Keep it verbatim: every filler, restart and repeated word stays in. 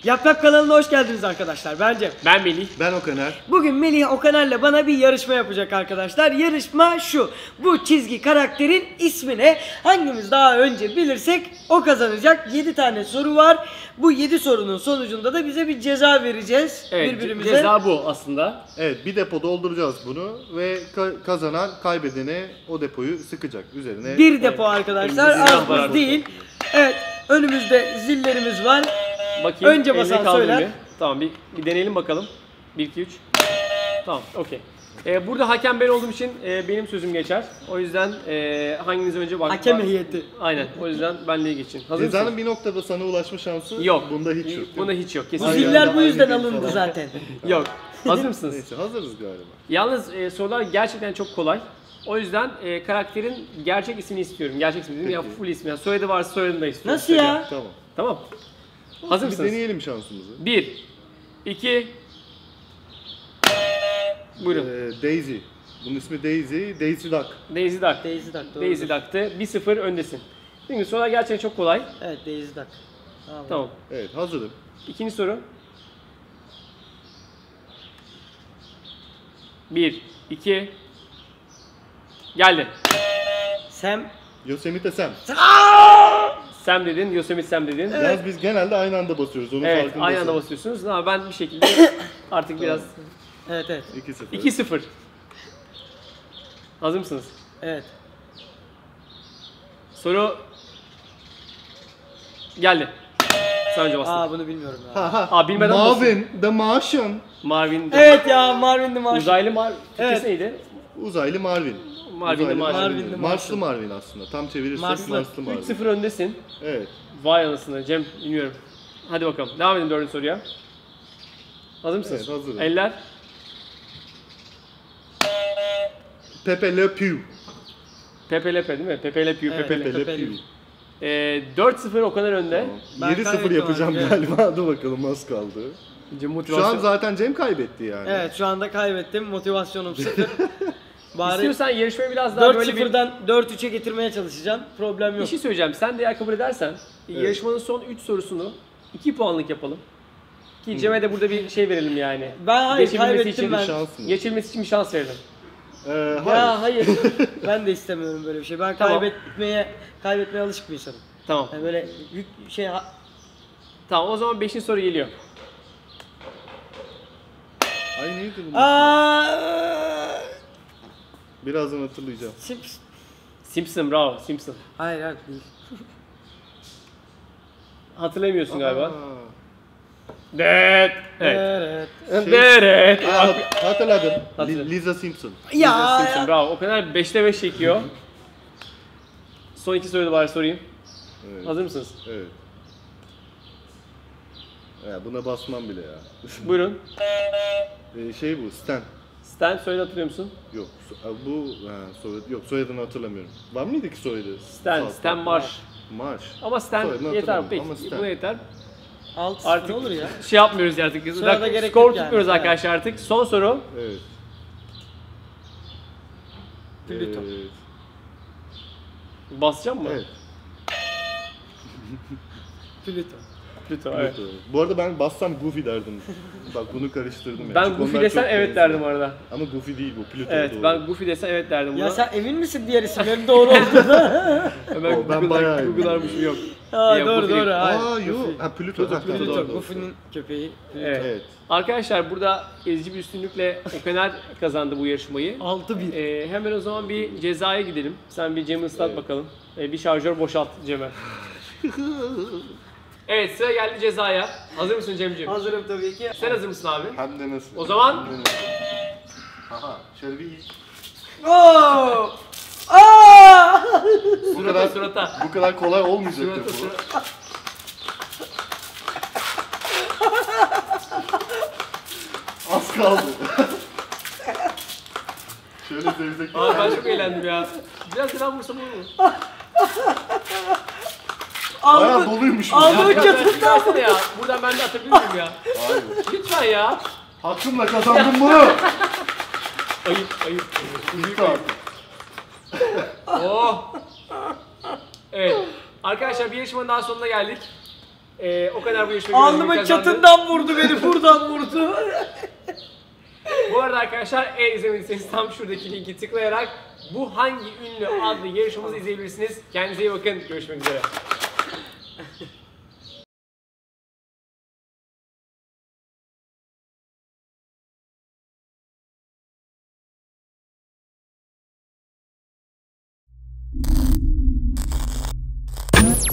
Yaprak kanalına hoş geldiniz arkadaşlar. Ben Cem. Ben Melih. Ben Okaner. Bugün Melih Okaner'le bana bir yarışma yapacak arkadaşlar. Yarışma şu. Bu çizgi karakterin ismini hangimiz daha önce bilirsek o kazanacak. yedi tane soru var. Bu yedi sorunun sonucunda da bize bir ceza vereceğiz Evet, birbirimize. ceza bu aslında. Evet, bir depo dolduracağız bunu ve ka- kazanan kaybedene o depoyu sıkacak üzerine. Bir depo arkadaşlar. Elimizde silah Az var buz değil. Evet. Önümüzde zillerimiz var. Bakayım. Önce basan eline kaldır söyler. bir. Tamam bir, bir deneyelim bakalım. bir iki üç. Tamam, okey. Ee, burada hakem ben olduğum için e, benim sözüm geçer. O yüzden e, hanginiz önce bak. Hakem bak- heyeti. Aynen. O yüzden benliğe geçin. Hazır Cezanın mısın? bir noktada sana ulaşma şansı Yok. bunda hiç yok. Bunda hiç yok. Bu Kesinlikle Aynen. yok. ziller bu Aynı yüzden değil alındı falan. zaten. Yok. Hazır mısınız? Neyse, hazırız galiba. Yalnız e, sorular gerçekten çok kolay. O yüzden e, karakterin gerçek ismini istiyorum. Gerçek ismi dedim ya, Peki. full ismi. Yani soyadı varsa soyadını da istiyorum. Nasıl ya? Tamam. Tamam. Hazır Bir mısınız? deneyelim şansımızı. bir, iki, buyurun. Ee, Daisy. Bunun ismi Daisy. Daisy Duck. Daisy Duck. Daisy Duck. doğrudur. Daisy Duck'tı. bir sıfır öndesin. Şimdi sorular gerçekten çok kolay. Evet, Daisy Duck. Tamam. Tamam. Evet, hazırım. İkinci soru. bir, iki, geldi. Sam. Yosemite Sam. Sam dedin, Yosemite Sam dedin. Evet, Yalnız biz genelde aynı anda basıyoruz. Onun farkındasın. aynı anda basıyorsunuz. Ama ben bir şekilde artık biraz... Evet evet. iki sıfır. iki sıfır. Hazır mısınız? Evet. Soru geldi. Sen önce bastın. Aa bunu bilmiyorum ya. Ha ha. Aa, bilmeden Marvin the Martian. Marvin. Evet ya, Marvin the Martian. Uzaylı Mar... Türkçesi Evet. neydi? Uzaylı Marvin. Marvin the Uzaylı Martian. Marvin the Marslı Marvin aslında. Tam çevirirsek Marslı. Marslı Marvin. üç sıfır öndesin. Evet. Vay anasını Cem, bilmiyorum. Hadi bakalım. Devam edin dördüncü soruya. Hazır mısınız? Evet, hazırım. Eller. Pepe Le Pew. Pepe Lepe değil mi? Pepe Le Pew, Evet. Pepe Le. Pepe Le Pepe Le Pew. Ee, dört sıfır o kadar önde. Ben yedi sıfır kaybettim yapacağım abi, galiba. Dur bakalım, az kaldı. Cem Şu motivasyon. an zaten Cem kaybetti yani. Evet, şu anda kaybettim. Motivasyonum sıfır. Bari İstiyorsan yarışmayı biraz daha dört böyle bir... sıfırdan dört üçe getirmeye çalışacağım. Problem Bir yok. şey söyleyeceğim. Sen de eğer kabul edersen Evet. yarışmanın son üç sorusunu iki puanlık yapalım. Ki Cem'e de burada bir şey verelim yani. Ben hayır Geçebilmesi kaybettim için ben. Şans mı? Geçilmesi için bir şans verelim. Ee, hayır. Ya hayır. Ben de istemiyorum böyle bir şey. Ben Tamam. kaybetmeye kaybetmeye alışık bir insanım. Tamam. Yani böyle yük şey Tamam, o zaman beşinci soru geliyor. Ay neydi bu? Aa! Birazdan hatırlayacağım. Sims. Simpson, bravo. Simpson. Hayır hayır değil. Hatırlamıyorsun galiba. Aa. Evet. Evet. Evet. Şey- Evet. Aa, hat- hatırladım. Hatırladım. Li- Lisa Simpson. Ya. Simpson, bravo. O kadar beşte beş çekiyor. Son iki soruyu da bari sorayım. Evet. Hazır mısınız? Evet. Ya buna basmam bile ya. Buyurun. Ee, şey bu, Stan. Stan, soyadı hatırlıyor musun? Yok, so- bu ha, soyadı, yok soyadını hatırlamıyorum. Var mıydı ki soyadı? Stan, Sağ- Stan Marsh. Marsh. Ama Stan Soyadını yeter. hatırlamıyorum Peki, ama Stan. buna yeter. Alt Artık ne olur ya? şey yapmıyoruz artık. Sonra da Rak- gerek skor yok yani. tutmuyoruz Evet. arkadaşlar artık. Son soru. Evet. Plüto. Evet. Basacağım mı? Evet. Plüto. Plüto, evet. Pluto. Bu arada ben bassam Goofy derdim. Bak bunu karıştırdım yani. Ben Çünkü Goofy onlar desen çok evet benziyor. derdim arada. Ama Goofy değil bu, Pluto Evet, doğru. ben Goofy desen evet derdim buna. Ya sen emin misin diğer isimlerin doğru olduğuna? Hemen O, ben Google'lar- bayağı eminim. Google'larmışım yok. Aa Yok, doğru Goofy değil. doğru. Hayır. Aa Goofy. yok. Ha Pluto. Pluto, Ha, tamam, Pluto. doğru, Plüto. doğru. Goofy'nin köpeği. Plüto. Evet. Evet. Arkadaşlar burada ezici bir üstünlükle Okaner kazandı bu yarışmayı. altı bir. Ee, hemen o zaman bir cezaya gidelim. Sen bir Cem'i ıslat Evet. bakalım. Ee, bir şarjör boşalt Cem'e. Evet, sıra geldi cezaya. Hazır mısın Cem'ciğim? Hazırım tabii ki. Sen hazır mısın abi? Hem de nasıl? O zaman- Hem de nasıl? Aha, şöyle bir Oo! Aa! bu Surata, kadar surata. bu kadar kolay olmayacak Surata, bu. surata. Az kaldı. Şöyle zevzek. Abi ben çok eğlendim ya. Biraz daha vursam olur mu? Bayağı Aldı. doluymuş bu. Aldı. Ya. Bu Ya, kötü. ya, versene ya. Buradan ben de atabilir miyim ya? Hayır. Lütfen ya. Hakkımla kazandım bunu. Ayıp, ayıp. Bitti artık. Oh. Evet. Arkadaşlar bir yarışmanın daha sonuna geldik. Ee, o kadar bu yarışmayı Alnımın kazandı. çatından vurdu beni, buradan vurdu. Bu arada arkadaşlar, eğer izlemediyseniz tam şuradaki linki tıklayarak bu hangi ünlü adlı yarışmamızı izleyebilirsiniz. Kendinize iyi bakın. Görüşmek üzere.